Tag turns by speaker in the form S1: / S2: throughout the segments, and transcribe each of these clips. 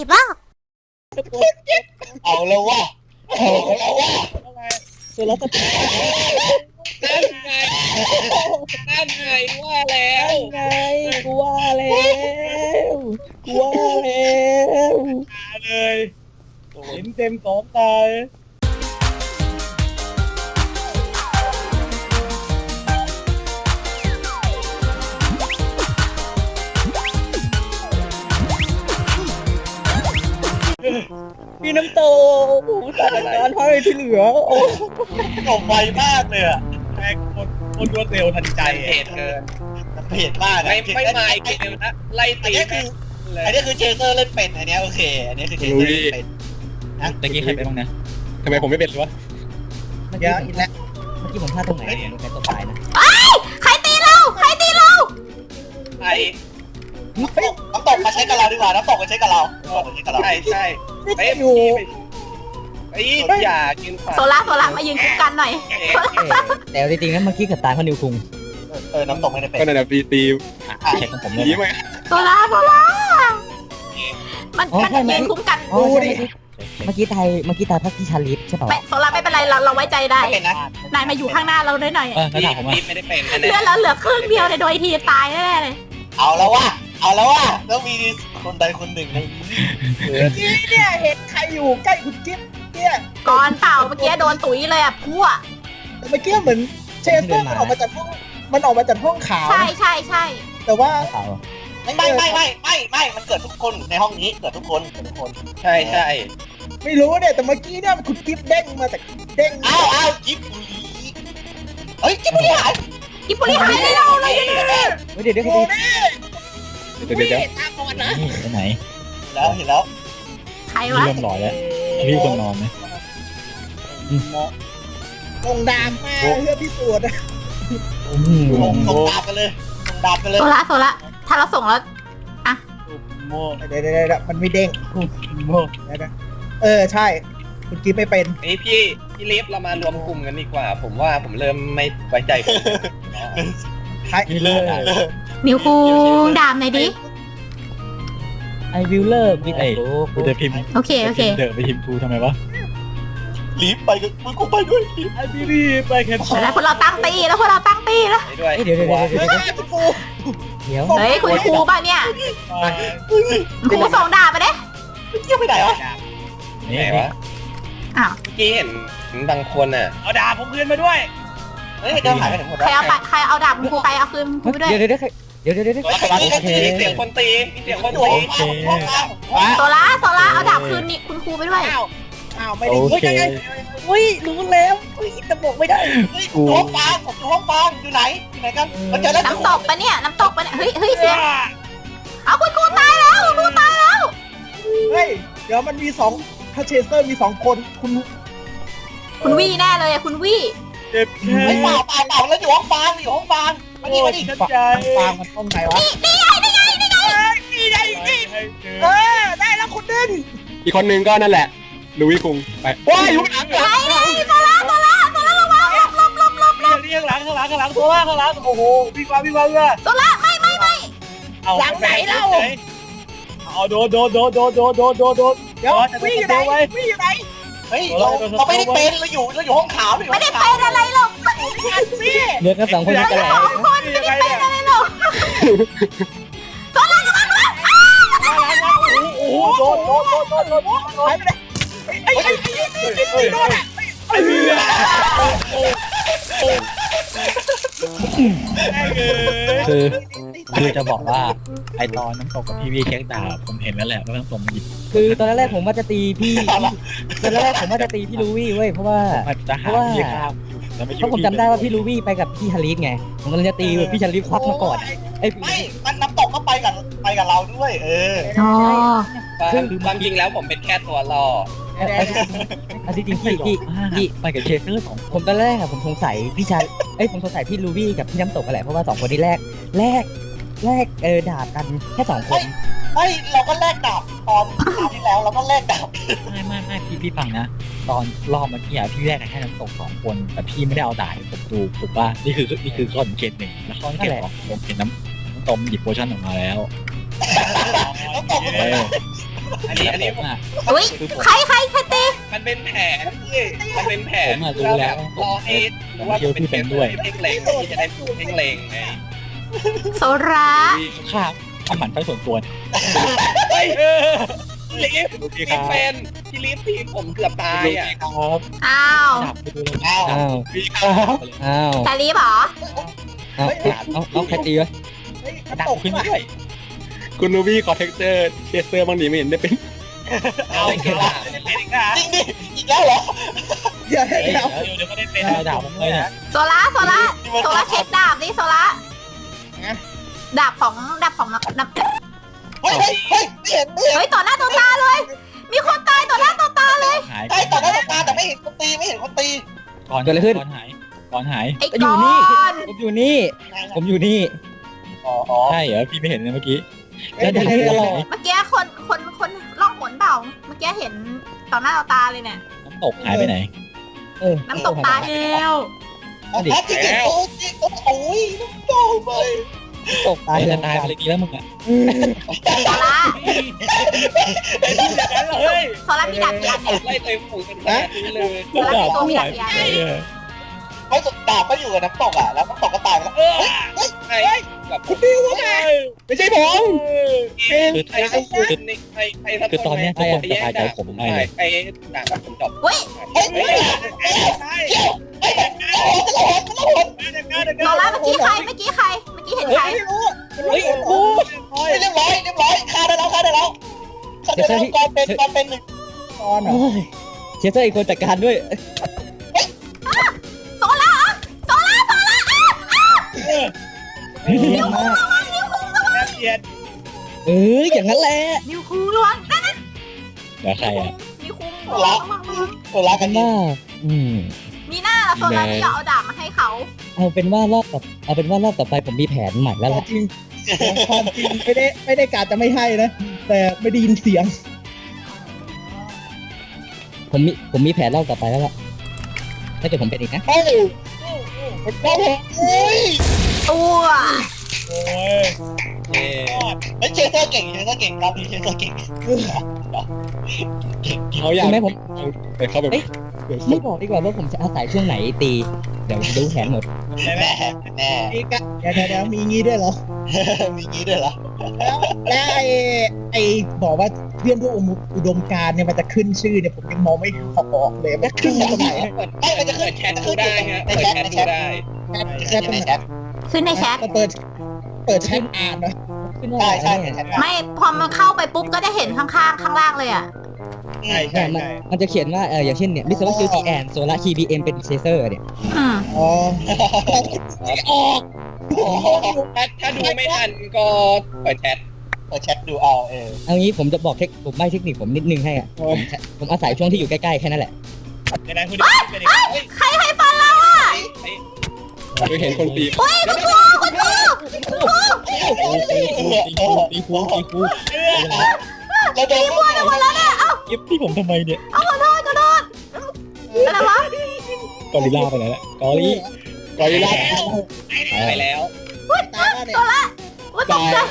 S1: บ้า
S2: เอาแล้ววะเอาแล้ววะ
S3: โซล่าสตาร์
S4: นั่นไงนั่นไงว่าแล้ว
S3: ไงกูว่าแล้วกูว่าแล้ว
S4: เลยเห็นเต็มสองตา
S3: พี่น้ำโตสถานการณ์เพราะอะไรที่เหลือโอ้
S2: จบไวมากเลยอะ
S4: แม่งคนรวดเร็วทันใจ
S2: เหตุเกินเพจมากอะ
S4: ไม่มาอีกเกมนะไล่
S2: อัน
S4: ตี
S2: นี้คืออันนี้คือเชเซอร์เล่นเป็นอันนี้โอเคอันนี้คือเชเซอร์เล่นเป็นนะ
S5: ตะกี้ใครเป็นบ้างนะทำไมผมไม่เป็นวะ
S3: เมื่อกี้อีกแล้วเมื่อกี้ผมพลาดตรงไหนเนี่ยใครตัวตายนะ
S1: ใครตีเรา ใครตีเรา
S4: ไอ้
S2: น้ำตกมาใช้กับเราดีกว่าน้ำตกมาใช้กับเรามาใช้กับเรา
S4: ใช่ใช่ไอ้
S3: อยู่
S4: ไอ้อย่ากินฝัน
S1: โซล่ามายืนคุ้มกันหน่อย
S3: แต่จริงๆแล้วเมื่อกี้เกิดตายเพราะนิวคุง
S2: น้ำตกไม่ได้เป็น
S5: ก็นั่นแหละตีเช็คของผมเลย
S3: ดีไหม
S1: โซล่ามันยืนคุ้มกัน
S3: ดูดิเมื่อกี้ตายเพราะพี่ชาลิฟใช่เปล่า
S1: โซล่าไม่เป็นไรเราไว้ใจได้
S2: ไม่เป็นนะ
S1: นายมาอยู่ข้างหน้าเราได้หน่อย
S5: แล้วถามผมว่า
S4: ไม่ได้เป็น
S1: เลือดเราเหลือครึ่งเดียวในโดยทีตายแน่เลย
S2: เอาแล้ววะต้องมีคนใดคนหนึ่งในนี้
S3: เนี่ยเห็นใครอยู่ใกล้คุณกิ๊ฟเนี่ย
S1: ก่อนเปล่าเมื่อกี้โดนตุ๋ยเลยอ่ะพั่ว
S3: เมื่อกี้เหมือนเชสเตอร์มันออกมาจากห้องขาว
S1: ใช่
S3: แต่ว่า
S2: ไม่มันเกิดทุกคนในห้องนี้เกิดทุกคน
S4: ใช่ใช่
S3: ไม่รู้เนี่ยแต่เมื่อกี้เนี่ยคุณกิ๊ฟเด้งมาจากเด้ง
S2: อ้าวจิ๊บบุรีเฮ้ยจิ๊บบุรีหาย
S1: กิปุริหายได้เราเลย
S3: เดี๋ยว
S5: เดี๋ยวไปไหน
S2: เห็นแล้ว
S1: ใคร
S5: พี่
S1: วะ
S5: เริ่มหล่อแล้วพี่คนนอนไหม
S3: ลงดามมาเพื่อพิสูจน์
S2: ส่งดาบกันเลย
S1: โซล่าถ้าเราส่งแล้ว
S4: โม่
S3: เดี๋ยวมันไม่เด้ง
S4: โม่
S3: ใช่คุณกิ๊ฟไม่เป็น
S4: ไอ้พี่ลิฟเรามารวมกลุ่มกันดีกว่า ผมว่าผมเริ่มไม่ไว้ใจผม
S5: พี่เลิก
S1: นิวคุงดามหน่อยดิ
S3: ไอวิลเลอร์วิด
S5: ไอ้กูจะพิมพ์
S1: โอเค
S5: เดอะไปพิมพ์กูทำไมวะ
S2: รีบไปกันมึงกูไปด้วย
S4: ไอ้พี่รีไปแค่
S1: แล้วพวกเราตั้งตีแล้ว
S4: ด้วย
S3: เดี๋ยว
S1: เฮ้ยคุณครูป่ะเนี่ยครูส่งดาบไปเด้
S2: เที่ยวไปไหนวะ
S5: นี่
S4: ไหนวะ
S1: อ้าว
S4: เมื่อกี้เห็นบางคนอ่ะเอาดาบผมเพื่อนมาด้วย
S2: เฮ้ยเดินหายไปไหนหมด
S1: ใครเอาดาบคุณครูไปเอาคืนครูไปด้วย
S3: เดี๋ยว
S4: มีเสียงคนตีมีเสียงคนตี
S1: โซล่าเอาดาบคืนนี่คุณครูไปด้วย
S3: อ้าวไม่ได้
S5: โอเค
S3: อุ้ยรู้แล้วอุ้ยแต่บอกไม่ได้
S2: ห้องฟางอยู่ไหนกันมันเจอแล้ว
S1: น้ำตกปะเนี่ยเฮ้ยเสียงเอาคุณครูตายแล้วคุณครูตายแล้ว
S3: เฮ้ยเดี๋ยวมันมี2ถ้าเชสเตอร์มี2คน
S1: คุณวี่แน่เลยคุณวี่
S4: เจ็บแค่
S2: ไม่เปล่าแล้วอยู่ห้องฟางมาดิ
S4: ฉันใจ
S3: ฟางมันต้องไหนวะนี่ไงได้แล้วคุณดึง
S5: อีกคนนึงก็นั่นแหละลุยคุงไปว้ายยุกหลัง
S1: โซล่าระวังหลบ
S4: เรียกหลังข้างหลังตัวข้างหลังโอ้โหวิ่งมาเพื่อ
S1: โซล่าไม่
S4: เอาหลังไหนเล่าเอาโดนเดี๋ยววิ่งอยู่ไหน
S2: เฮ้ยเราไม่ได้เป็นเราอยู่ห้องขาว
S1: ไม่ได้เป็นอะไรหรอก
S3: เลือกกัน2คนกันแหละ
S1: คนไม่ได้เป็นอะไรหรอกโซล่าระวัง
S4: โอ้โหโดน
S3: ไอ้โดนอ่ะ
S4: ไอ้เหี้ย
S5: คือจะบอกว่าไอตอนน้ำตกกับพี่วีเช็คดาวผมเห็นแล้วแหละว่าน้ำตกมันหยิบ
S3: คือตอนแรกผมว่าจะตีพี่ลูวี่เว้ยเพราะว่า
S5: มันจะหาพี่ข้าวแล้วไม่
S3: เพราะผมจำได้ว่าพี่ลูวี่ไปกับพี่ชาลิฟไงผมกำลังจะตีพี่ชาลิฟควักมาก่อนไอ้
S2: ไม่มันน้ำตกก็ไปกับเราด้วย
S1: อ๋อ
S4: ความจริงแล้วผมเป็นแค่ตัวล่อ
S3: จริงพี่
S5: ไปกับเชฟเตอร์2
S3: ผมตอนแรกอะผมสงสัยผมสงสัยพี่ลูวี่กับพี่น้ำตกกันแหละเพราะว่า2คนนี้แรกดาบกันแค่2คน
S2: ไม่เราก็แลกดาบตอนที่แล้วเราก็แลกดาบ
S5: ไม่พี่ฟังนะตอนรอบเมื่อกี้พี่แรกแค่น้ำตก2 คนแต่พี่ไม่ได้เอาดาบผมดูถูกป่ะนี่คือข้อสังเกต1แล้วข้อสังเกต2ผมเห็นน้ำตกหยิบโพชั่นออกมาแล้ว
S2: น้ำตก
S4: อันนี้
S5: ผมอ่ะ
S1: อุ้ยใครตี
S4: มันเป็นแผนพี่มันเป็นแผน
S5: ผมอะรู้แล้ว
S4: รอให้รู้ว่าเป็นเพ่งเล็งที่จะได้เพ่งเล็งไง
S1: โซระ
S5: ข้าทำหมันไปส่วนตัว
S4: เฮ้ยลีฟพี่เป็นพี่ลีฟทีมผมเกือบตายอ่ะ
S5: ครับ
S1: อ้าว
S5: จับไปดูเลย
S2: อ้าว
S3: อ้าว
S5: พี่ครับ
S3: อ้าว
S1: แต่รีบเหรอ
S3: อ้าวเอาใครตีวะ
S5: ดักขึ้นด้วย
S6: คุณนูบี้ขอเท็กเจอร์เชสเตอร์บางทีไม่เห็นได้เป็น
S4: เอาอีกแล้วเป็นอีกแล้ว
S2: จริงดิอีกแล้วเหรอ
S4: เดี๋ยวก็ได้เป็น
S5: ได้ดาบผมเลยเนี่ย
S1: โซระเช็คดาบดิโซระดาบของนับ
S2: เฮ้ยไม่เห็น
S1: เฮ้ยต่อหน้าต่อตาเลย มีคนตายต่อหน้าต่อตาเลย
S5: หาย
S2: ใช่ต่อหน้าต่อตาแต่ไม่เห็นคนตีไม่เห็นคนตี
S5: ก่อนหายก่อนหาย
S1: ไอ้
S3: อยู่
S1: ก้
S3: นี่
S1: อน
S3: ผมอยู่นี่ ผมอยู่นี่
S4: อ๋อ
S5: ใช่เหรอพี่ไม่เห็นเลยเมื่อกี้
S3: แล้วดักตลอด
S1: เมื่อกี้คนล่องหนเปล่าเมื่อกี้เห็นต่อหน้าต่อตาเลยเนี่ย
S5: น้ำตกหายไปไหน
S1: น้ำตกตายแล้ว
S2: แอปที่เห็นโอ้ยโอ้ยน้ำตาไป
S3: ตกตาย
S5: จะตายไปเลยดีแล้วมึงอ่ะ
S1: โซระ
S4: ไอ้ดูอย่างนั้นเฮ้ย
S1: โซระมีดาบกี่อันเนี่ย
S4: ไล่เต็มฝูงกันขนาดนี้เลย
S1: โซระมีตัวมีดาบกี่อัน
S2: ไม่สุดดาบก็อยู่กับน้ำตกอ่ะแล้วน้ำตกก็ตายไปแล้ว
S4: ไอ้แบบคุณดิวว่าไง
S6: ไม่ใช่ผม
S4: ไอ้คือตอนนี้ทุกคนสบายใจผมได้เลยไอ้หนังกับผมจบ
S1: เฮ้ย
S2: เฮ้ย
S1: โซระเมื่อกี้ใครเมื่อกี้เห็นใคร
S2: เฮ้ยโอ้ยเรียบร้อยฆ่าได้แล้วก่อนเป็นหนึ่ง
S3: ตอนเชสเตอร์อีกคนจัดการด้วย
S1: โซระ
S3: เยี่ยมมาก
S4: เกียรติ
S3: อย่างนั้นแหละ
S1: นิวคูระวัง
S5: เดี๋ยวใครอ่ะ
S1: นิวคูระวัง
S2: ตัวรัก
S3: กั
S2: กัน น
S3: ว่า
S1: มีหน้าละโซระที่เอาดาบมาให้เขา
S3: เอาเป็นว่ารอบต่อไปผมมีแผนใหม่แล้วล่ะ
S7: จริงความจริงไม่ได้กาจะไม่ให้นะ แต่ไม่ได้ยินเสียง
S3: ผมมีแผนรอบต่อไปแล้วล่ะถ้าเกิดผมเป็นอีกนะ
S2: โอ้ย
S1: ตัว
S4: โอ้ย
S2: ไม่เชสเตอร์เก่งรอบนี้เชสเตอร์เก่ง
S6: เขาอยาก
S3: ใช่ไหมผม
S6: แต่เขาแบบ
S3: ไม่บอกดีกว่าว่าผมจะอาศัยช่วงไหนตี เดี๋ยวดูแผนหมด
S2: แน่
S7: มีกะเดี๋ยวมีงี้ด้วยเหรอ
S2: มีงี้ด้วยเหรอ
S7: แล้วไอ้บอกว่าเรื่องพวกอุดมการณ์เนี่ยมันจะขึ้นชื่อเนี่ยผมยังมองไม่ออกเลยว่าขึ้นตรงไหน
S2: ไม่มันจะ
S4: เปิ
S2: ขึ้น
S4: ดแชทดูได้ฮะเปิดแชทดูได้
S7: แค่ตรงไหน
S1: ขึ้นในแชท
S7: เปิดแชทอ่านนะ
S3: ขึ้นว่า
S2: ใช่
S3: อะไรเนี่ย
S1: ไม่พอมันเข้าไปปุ๊บก็จะเห็นข้างล่างเลยอ่ะ
S4: ใช่ใช่
S3: มันจะเขียนว่าอย่างเช่นเนี่ยมิสเตอร์คิวทีแอนโซล่าคีบีเอ็มเป็นเชเซอร์เนี่ย
S7: อ๋อ
S4: ถ้าดูไม่ทันก็เปิดแชท
S2: เปิดแชทดูเอาเออ
S3: เอางี้ผมจะบอกผมไม่เทคนิคผมนิดนึงให้อ่ะผมอาศัยช่วงที่อยู่ใกล้ๆแค่นั้นแหละ
S4: ในนั้นคุณดิวเป็นอีก
S1: ใครให้ฟันเราอ่ะ
S6: เคยเห็นคนตี
S1: เฮ้ยคุณครู
S5: ตีคู
S2: เราโดน
S1: พูดกันหมดแล้วเนี่ยเอ้า
S5: ยิบที่ผมทำไมเนี่ย
S1: ขอโทษอะไรวะ
S5: กอริลลาไปไหนแล้วกอริ
S6: กอริลลา
S4: ไปแล้ว
S7: ตายแล้วเนี่ย
S1: ว่าตกใจ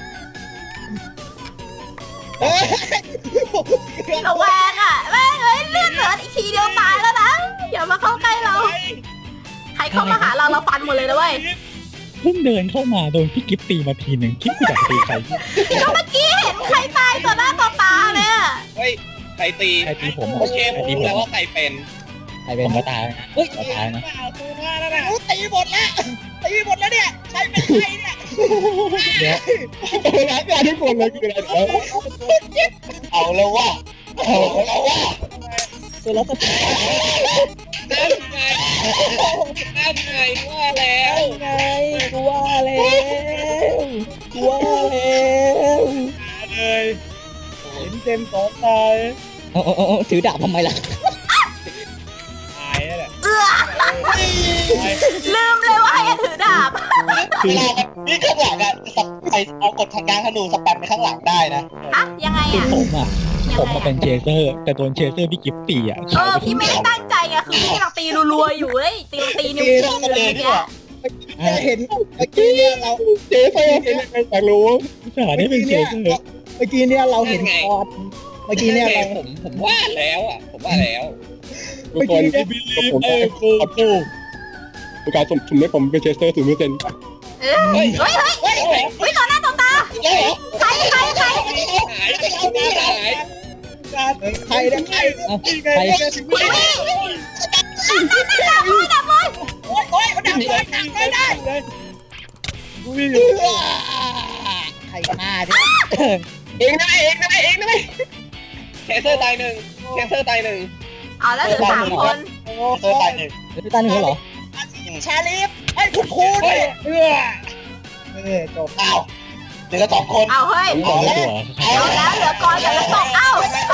S1: ระแวงอ่ะแม่งเอ้ยเลือดเหลืออีกทีเดียวตายแล้วนะอย่ามาเข้าใกล้เรา ใครเข้ามาหาเราฟันหมดเลยนะเว้ย
S5: เพิ่งเดินเข้ามาโดนพี่กิฟตีมาทีหนึ่งคิดว่าจะตีใคร
S1: ก็เมื่อกี้เห็นใครตายต่อหน้าต่อตาเนี่ย
S4: เฮ้ยใครตี
S5: ใครตีผม
S4: โอเคผมรู้แล้วว่าใครเป็น
S3: ใครเป็
S5: ผ
S3: น
S5: มก็ตายนะก็ตายนะ
S7: ตีหมดแล้วเนี่ยใช้เป็นใครเนี่ย
S6: งานทุกคนเลยคืออะไร
S2: เอาแล้วว่า
S3: โซล่าส
S4: นั่นไงว่าแล้ว
S3: ไงกูว่าแล้ว
S4: เลยเห็นเต็มสองตาย
S3: เอาถือดาบทำไมล่ะ
S4: ตายแล้วแหละ
S1: ลืมเลยว่าให้ถือดาบ
S2: เวลานี่ข้างหลังอ่ะไปเอากดทางการธนูสแปมไปข้างหลังได้นะ
S1: อะยังไง
S5: คือ
S1: อ่ะ
S5: ผมมาเป็นเชเซอร์ แต่โดนเชเซอร์พี่กิฟตีอ่ะ
S1: พี่ไม่ได้ตั้งใจไงคือพี่กำลังตีรัวๆอยู่เลยตีนิ้ว
S2: ตี
S1: โป้ง
S2: กัน
S1: เล
S2: เลย
S1: ย
S2: ดี
S1: เนี่
S2: ก
S1: ย
S2: ว่า
S7: จะเห็นเมื่อกี้เนี่ยเรา
S6: เจ๊ไฟอยากรู้
S5: สาได้เป็นเชเซอร์
S7: เมื่อกี้เนี่ยเราเห็นคอนเมื่อกี้เนี่ยเรา
S2: ผมว่าแล้วอ่ะผมว่าแล้ว
S6: ทุกคนผมขอโทษประกาศสุ่มให้ผมเป็นเชสเตอร์0%
S1: เฮ้ยต่อหน้าต่อตา
S2: แล้วเหรอ
S1: ใคร
S2: หายหาย
S7: ใครเนี่ยใคร
S3: เอาใคร
S7: โอ้ยมันดับเลยดับไม่ได้
S4: กูวิ่งอยู่
S7: ใครฆ่าเนี่ย
S2: เองได้ไหมแคสเซอร์ตายหนึ่งแคสเซอร์ตายหนึ่ง
S1: เอาแล้วเหลือ3 คน
S2: เซอร์ตายหนึ่ง
S3: พี่ตาหนึ่งเหรอ
S7: ชาลีฟไอ้คุณครูเนี่ยจบ
S2: อ้าวเหลือ2 คน
S1: เอาเฮ้ย
S5: ผมไม่ตัว
S1: เอาแล้วเหลือกรกับน้ำตกเอ้า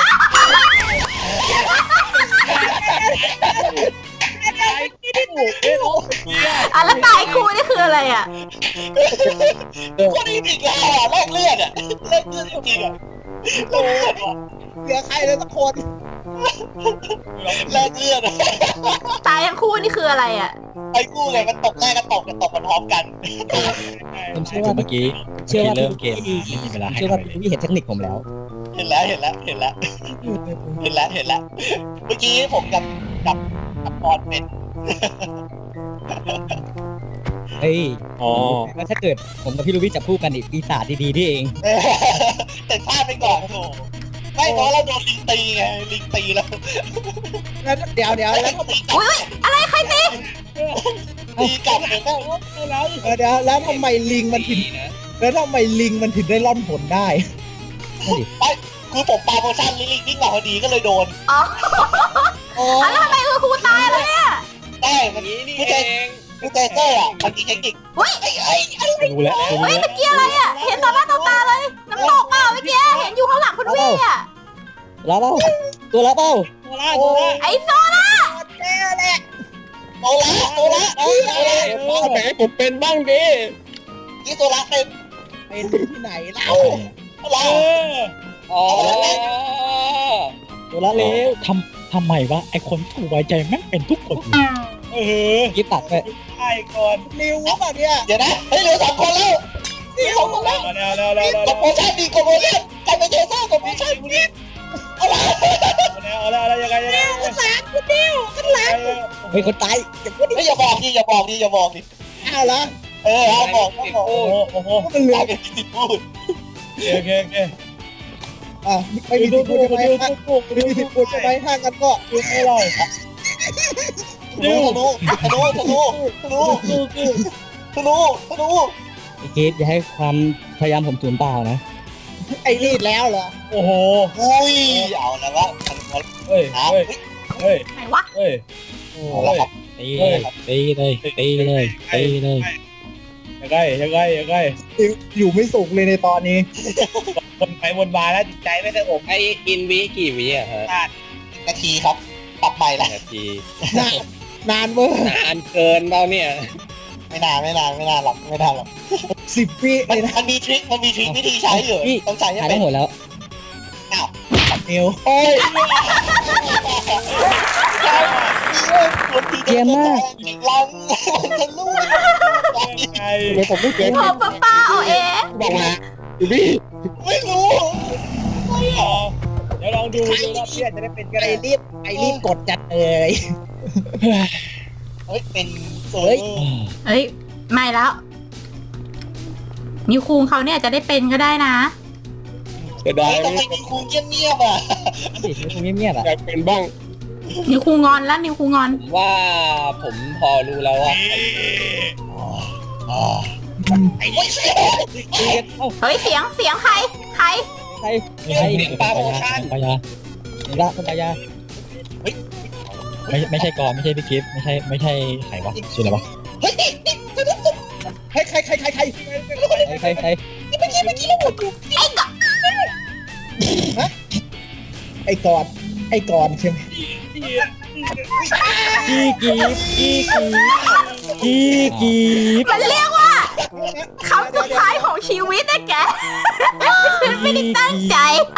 S1: แล้วตายคู่นี่คืออะไรอ่ะ
S2: คนนี้อีกแล้วอ่ะแลกเลือดอ่ะแลกเลือดจริงๆอ่ะแลกเลือดว่ะ
S7: เหลือใครเลยสักคน
S2: แลกเลือด
S1: ตายทั้งคู่นี่คืออะไรอ่ะ
S2: ไอ้กู้ไงมันตกแรกก็ตกกันพร้อมกัน
S3: ผมเชื่อว่า
S5: เมื่อกี้
S3: เชื่อว่า
S5: เริ่มเกมไม่มีเวลาให้
S3: เชื่อว่าพี่เห็นเทคนิคผมแล้ว
S2: เห็นแล้วเมื่อกี้ผมกับปอนเป็น
S3: เฮ้ย
S6: อ๋อ
S3: แล้วถ้าเกิดผมกับพี่ลูบี้จับคู่กันอีกปีศาจดีๆนี่เอง
S2: แต่พลาดไปก่อนโถไม่เพราะเราโดนลิงตีไงลิงตีแล้ว
S7: แล้วเดี๋ยวแล้ว
S1: อุ้ยอะไรใครตี
S2: ตีกลับเลยก็
S7: เดี๋ยวแล้วทำไมลิงมันถึงได้ร่อนผลได้
S2: คือผมปาโมชั่นลิงวิ่งมาพอดีก็เลยโดน
S1: อ๋อ
S7: โอ้
S1: แล้วทำไมคือครูตายแล้วเนี่ย
S2: ได้มันผู้ใจเซอร์อ่ะมันมีเทคนิค
S1: อุ้ย
S5: ดูแล้ว
S1: เฮ้ยเมื่อกี้อะไรอ่ะเห็นต่อหน้าต่อตาเลยน้ำตกเปล่าเมื่อกี้เห็นอยู่ข้างหลังคุณวี่อ่ะ
S3: แล้วเปล่าตัวแล้วเปล่า
S1: ไอ้โซล่า
S7: แน่แหละ
S2: โตละ
S6: แหมผมเป็นบ้างดิ
S2: นี่โตละเต็ม
S7: เป็นที่ไหนเล่า
S2: ละ
S4: อ๋อ
S3: ตัวละเร็ว
S5: ทำไมวะไอคนถูกไว้ใจแม่งเป็นทุกคน
S3: ยิบตัดไป
S4: ใช่ก่อน
S7: ริวหรือเปล่าเนี่ย
S2: เดี๋ยวนะเฮ้ยเหลือ2 คนแล้วนี่2 คนแล้ว
S4: แล้ว
S2: กดโมชั่นดีกดโมชั่นกลายเป็นเทเซอร์กดโมชั่นนี่เอาละ
S4: แล้วยังไง
S7: ข้างหลังคุณดิวข้างหลัง
S3: เฮ้ยคนตายอย่าพูดดิ
S2: ไม่อย่าบอกดิ
S7: อ้าวเหรอ
S2: เอาบอก
S4: โอ้โห
S7: ก็มันเหลื
S2: ก
S7: อ
S2: ลายเป็นที่พูด
S4: โอเค
S7: ไม่มีสิทธิ์พูดใช่ไหมไม่มีสิทธิ์พูดใช่ไหมถ้ากันก็
S4: ดูให้เรา
S2: ธนู
S3: ไอ้เกดอย่าให้ความพยายามผมสูญเปล่านะ
S7: ไอ้รีดแล้วเหรอ
S4: โอ้โห
S2: อุ้ยเอาแล้ววะ
S4: เฮ้ย
S1: ไหนวะ
S2: เอาละครับ
S5: ตีเลย
S4: ยังไง
S7: อยู่ไม่สุขเลยในตอนนี้
S4: คนไปวนมาแล้วจิตใจไม่ได้อบ
S8: ไอกินวิกี่วิอะฮะ
S2: นาทีครับปรับใหม่ละ
S8: นาที
S7: นานเวอร์
S8: นานเกินเปล่าเนี่ย
S2: ไม่นานหรอก
S7: 10 วิเลยนะ
S2: มันมีทริควิธีใช้อยู่ต้องใช้ให้
S3: หาย
S2: เป็
S3: ทั้
S2: น
S3: งหมดแล้ว
S7: เอว
S2: โอ้ยเยี่ยมมากลังมันจะลูก
S4: ไง
S6: ทำไมผมไม่เป็น
S1: พอป้าเอาเอง
S6: บอกมาดูพี่
S2: ไม่รู้
S4: เดี๋ยวลองดูรอบเพื่อนจะได้เป็นก็
S7: ไอ้
S4: ได้
S7: รีบกดจัดเลย
S2: เฮ้ยเป็น
S7: เฮ้ย
S1: เฮ้ยไม่แล้วนิวคูงเขาเนี่ยจะได้เป็นก็ได้นะ
S6: จะได้
S2: ทำไมมีครูเงียบอ่ะ
S3: สิมันคงเงียบๆอ่ะ
S6: อยากเป็นบ้าง
S1: นิวคูงอนแล้วนิวคูงอน
S8: ผมว่าผมพอรู้แล้วว่า
S2: ไอ้โอ้ย
S1: เฮ้ยเสียงใคร
S3: ใคร
S5: ปายาคนปายาไม่ใช่กรไม่ใช่พี่กิฟต์ไม่ใช่ใครวะชื่ออะไรวะ
S2: เฮ้ย
S7: ใคร
S3: ใคร
S7: ไอ้กอนใช่ไหม
S3: กีบ
S1: มันเรียกว่าคำสุดท้ายของชีวิตนะแกฉันไม่ได้ตั้งใจ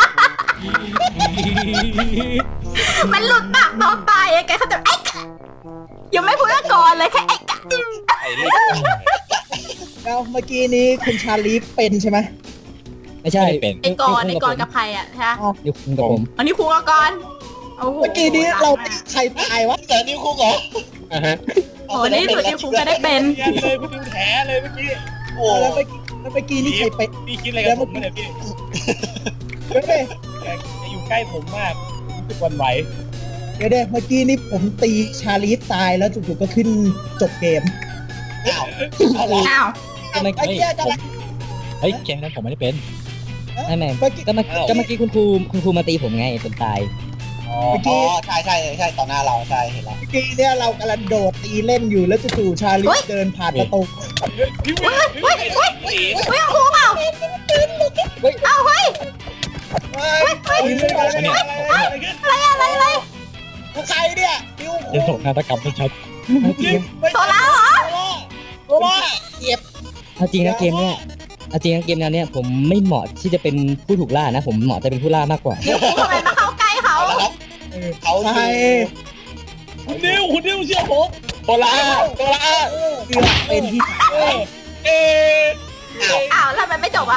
S1: มันหลุดปากตอนตายอะแกเขาจะไอ้กะยังไม่พูดว่าก่อนเลยแค่ไอ้กะ
S8: ไอ้นี่
S7: แล้วเมื่อกี้นี้คุณชาลีฟเป็นใช่ไหม
S3: ไม่ใช่
S5: ไม่ได้เป็น
S1: ไอ้กรกับใครอ่ะใช่ไหม
S3: นิวคุงกับผม
S1: อันนี้ครูกับกรโอ้โห
S7: เมื่อกี้นี้เราตีใครตายวะ
S2: แต่นิ้วคุกเหรอ
S6: อ่ะฮะ
S1: โอ้โหนี่สุดที่ครูจะได้เป็น
S4: เรียนเลยพี่ดูแผลเลยเมื่อกี้
S2: โอ้
S7: แล้วเมื่อกี้นี่ใครไป
S4: พี่คิดอะไรกับผมเนี่ยพี่
S7: เดี๋ยวเด้
S4: จะอยู่ใกล้ผมมากรู้สึกหวันไหว
S7: เดี๋ยวเด้เมื่อกี้นี่ผมตีชาลีฟตายแล้วจู่ๆก็ขึ้นจบเกม
S2: อ้าวเอาละ
S1: อ้าว
S3: ก็ไม่
S7: ไอ้เหี้ยจะ
S5: เฮ้ยเกมนั้นผมไม่ได้เป็น
S3: ไม่ไม่
S7: เมื่อกี้
S3: ก็เมื่อกี้คุณครูมาตีผมไงจนตาย
S4: อ๋อ
S2: อ๋อใช่ใช่ใช่ต่อหน้าเราใช่เห็นแล้ว
S7: เมื่อกี้เนี่ยเรากำลังโดดตีเล่นอยู่แล้วจู่ๆชาลีฟเดินผ่านประตู
S4: พี่วิ
S1: เฮ้ยเฮ้ยเฮ้ยครูเปล่าเอาเฮ้ย
S7: ตีเล่นมาแล้ว
S4: อะไร
S7: เนี่ย
S1: อะไร
S7: ใครเนี่ยดิว
S5: จะส่งนาฏกรรมให้ชัด
S1: โซล่าเหรอ
S7: โอ้ยเจ็บ
S3: เอาจริงนะเกมเนี้ยเอาจริงนะเกมแนวเนี้ยผมไม่เหมาะที่จะเป็นผู้ถูกล่านะ ผมเหมาะจะเป็นผู้ล่ามากกว่า
S1: เดี๋ยวครูทำไมมาเข้าใกล้เขา
S2: เอาละครับเขา
S7: ใคร
S4: คุณดิวเชื่อผม
S6: โซล่าโซล่า
S7: เกือบเป็นที่
S4: เอ๊ะ
S1: อ้าวแล้วทำไมไม่จบอ่ะ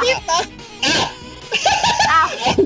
S1: อ้าว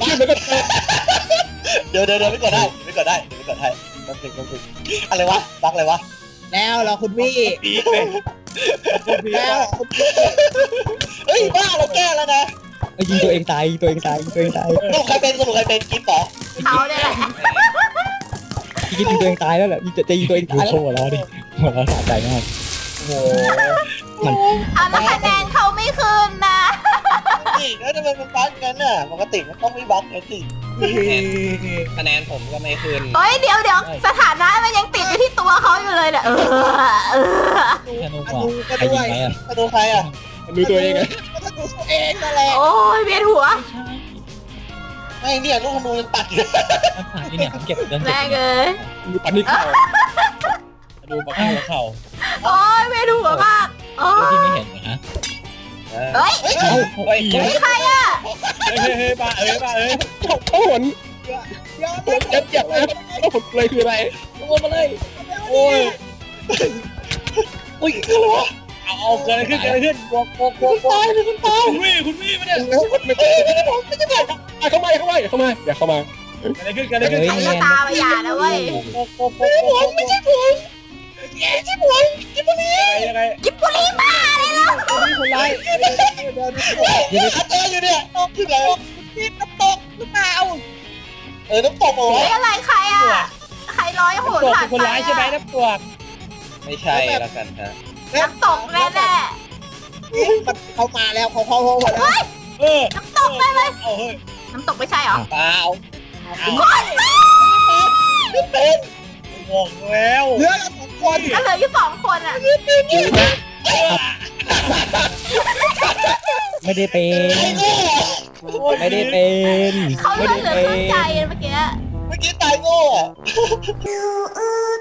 S2: เดี๋ยวไม่กดได้ไม่กดได้ไม่กดให้ต้องฝึกอะไรวะบักอะไรวะ
S7: แล้วเหรอคุณวี่
S4: ปีกเลย
S7: แล้วคุณวี่
S2: เฮ้ยบ้าเราแก้แล้วนะ
S3: ยิงตัวเองตายยิงตัวเองตายยิงตัวเองตาย
S2: สรุปใครเป็นกิ๊บต่อ
S1: เขาเนี่ยแหละ
S3: พี่ยิงตัวเองตายแล้วแหละจะยิงตัวเอง
S5: ดู
S3: ตาย
S5: โช
S3: แล้ว
S5: ว์แล้วดิหัวเราะสะใจมาก
S2: โอ้โห
S1: เอาแล้วคะแนนเขาไม่คืนนะ
S2: นี่แล้วทำไมมันบั๊กงั้นน่ะปกติมันต้องไม่บั๊กไงสิ
S8: คะแนนผมก็ไม่ขึ้น
S1: เฮ้ยเดี๋ยวสถานะมันยังติดอยู่ที่ตัวเขาอยู่เลยเนี่ย
S5: แค่นู้น
S7: ธ
S5: ว่า
S7: นูก็
S5: ใคร
S7: ด้
S5: ยิ
S7: ว
S5: ง
S7: ย
S5: ไหมอ่ะ
S2: มาดูใครอ่ะ
S6: ดูตัวเองไง
S7: ธนูตัวเองนั่นแหละ
S1: โอ้ยเวียนหัว
S2: ไม่เนี่ยลูกธนูยังปักอยู่
S5: น้ำผ่านที่เนี่ยผมเก็บเดินเก็
S1: แม่
S5: บ
S1: งเอ้ย
S6: ปันนี่ข่าว
S4: ดูบักหัวเข่า
S1: โอ้ยเวียนหัวมากโอ้
S5: ที่
S1: ย
S5: ไม่เห็นนะ
S1: เฮ้ย
S2: เฮ้ย
S4: เฮ้ย
S1: นี่ใครอ่ะ
S4: เฮ้ยบ้าเอ้ย
S6: เขาหน
S7: เดี๋ยว
S6: ผมจะเจ็บนะแล้วผมเลยคืออะไร
S7: ตัวมาเลย
S4: โอ้ย
S2: อุ้ยคืออะไรวะ
S4: เอาเกิดอะไรขึ้นบอก
S2: ตายเลยคุณตาย
S4: คุณวี่มาเนี่ย
S6: ไม่ใช่เข้ามาอย่าเข้ามา
S4: เกิดอะไรขึ้น
S1: ใครก็ตามมาอย่านะเว้ย
S4: ยังไง
S1: กิบบุรีบ้าเลยล่ะ
S7: นี่คนร้ายเดี๋ยว
S2: เดี๋ยวเจออยู่เนี่ยน้องคืออะไร
S7: นี่น้ำตกหรือเปล่า
S2: น้ำตกเหรอ
S1: เฮ้ยอะไรใครอ่ะใครร้อยโหน
S4: ตัว
S1: ผ่าน
S4: คน
S1: ไป
S4: ร้ายใช่ไหมน้ำตัว
S8: ไม่ใช่แล้วกันฮะ
S1: น้ำตกแน่
S7: มันเขามาแล้วเขามาแล้ว
S4: เออ
S1: ๆน้ำตกแน่เลย
S4: เอาเฮ้ย
S1: น้ำตกไม่ใช่เหรอ
S8: เปล่า
S4: บอกแล้ว
S7: เหลือเราสองคน
S1: ก็เหลืออยู่2 คนอ่ะ
S3: ไม่ได้เป็น
S2: ไอ้โง่
S3: ไม่ได้เป็น
S1: เขาเลือดเหลือครึ่งใจเมื่อกี้
S2: เมื่อกี้ตายโง่อะ
S1: You